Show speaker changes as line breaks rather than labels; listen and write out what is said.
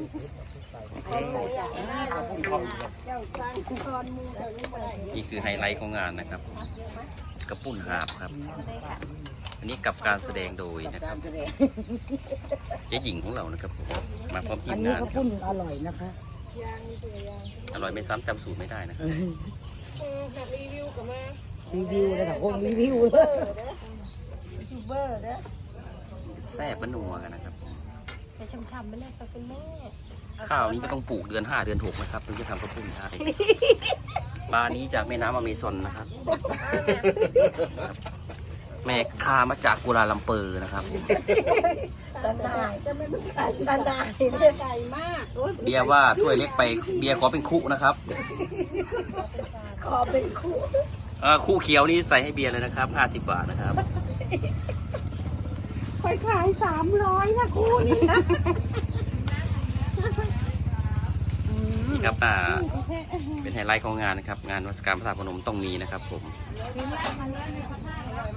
นี่คือไฮไลท์ของงานนะครับกระปุ้นหาบครับอันนี้กับการแสดงโดยนะครับเจ๊หญิงของเรานะครับมาพร้อมทีมงานครับ
อร่อยนะคะ
อร่อยไม่ซ้ำจำสูตรไม่ได้นะครับ
แบบรีวิวกับมา
รีวิวเลยค่ะพวกรีวิวเลย
ยูทูบเบอร์เด้อ
แซ่บนัวกันนะครับ
ไปช้ำๆไปเลยตัวเป็นแม่
ข้าวนี้ก็ต้องปลูกเดือน 5 เดือน 6นะครับถึงจะทำข้าวปุ้นได้ปลานี้จากแม่น้ำอเมซอนนะครับแม่คามาจากกัวลาลัมเปอร์นะครับ
ตันได้จะไม่ต้องไก่ตันได้ไก่มาก
เบียร์ว่าถ้วยเล็กไปเบียร์ขอเป็นคุนะครับ
ขอเป็นคู่
คู่เขียวนี่ใส่ให้เบียร์เลยนะครับ50 บาทนะครับ
ค่อยขาย300นะคู่นี้นะ
นี่ครับเป็นไฮไลท์ของงานนะครับงานวัสการพระธาตุพนมต้องมีนะครับผม